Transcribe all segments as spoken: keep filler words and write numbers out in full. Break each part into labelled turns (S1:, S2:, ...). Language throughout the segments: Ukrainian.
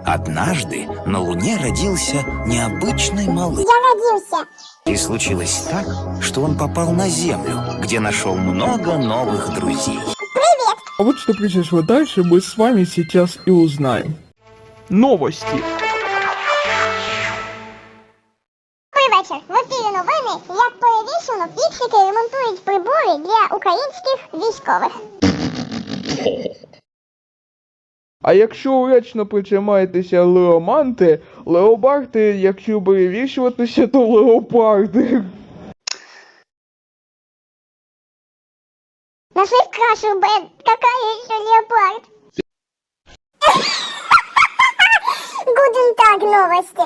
S1: Однажды на Луне родился необычный малыш.
S2: Я родился.
S1: И случилось так, что он попал на Землю, где нашел много новых друзей.
S2: Привет.
S3: А вот что произошло дальше, мы с вами сейчас и узнаем. Новости.
S2: Добрий вечір. В ефірі новини, як перевішено, фіксики ремонтують прибори для українських військових.
S3: А якщо уречно причимаєтеся леоманти, леопарди, якщо перевішуватися, то леопарди.
S2: Нашли в крашу, Бен. Какая еще леопард? Гуден так, новости.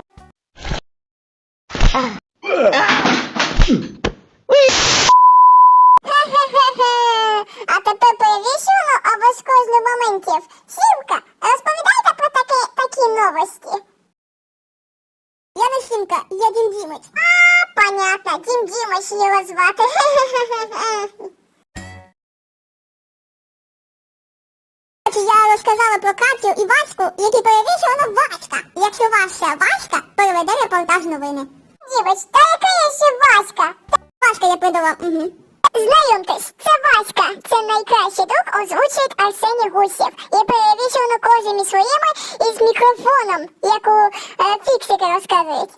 S2: Хе-хе-хе-хе. А тепер перевішено або з кожних моментів. Сімка, розповідайте про такі, такі новості. Я не Сімка, я Дім Дімич. А, понятно, Дім Дімич його звати. Хе-хе-хе-хе. Я розказала про Катю і Ваську, які перевішувала Васька. Якщо ваша Васька, переведе репортаж новини. Дівоч, та яка я ще Васька? Васька я придала, угу. Знайомтесь, це Васька. Це найкращий друг, озвучує Арсеній Гусєв. І перевішувано кожними своїми із мікрофоном, як у е, фіксики розказують.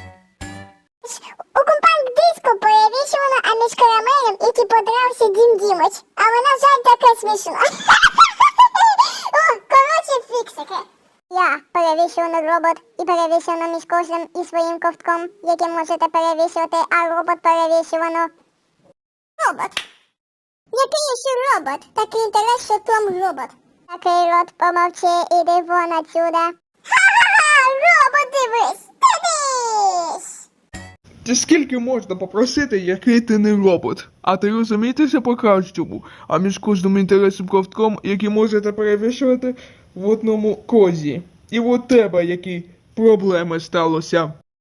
S2: У компакт-диску перевішувано, а між карамелем, який подрався Дім Дімич. Але, на жаль, таке смішно. О, коротше, фіксики. Я перевішувано робот і перевішувано між кожним і своїм ковтком, який можете перевішувати, а робот перевішувано. Робот. Який ще робот? Такий інтерес, що Том робот. Такий рот, помовчи, іди вон отсюда. Ха-ха-ха, робот дивись, дивись.
S3: Та скільки можна попросити, який ти не робот? А ти розумієтеся по-кращому, а між кожним інтересним ковтком, який можете перевішувати в одному козі. І от тебе, які проблеми сталося.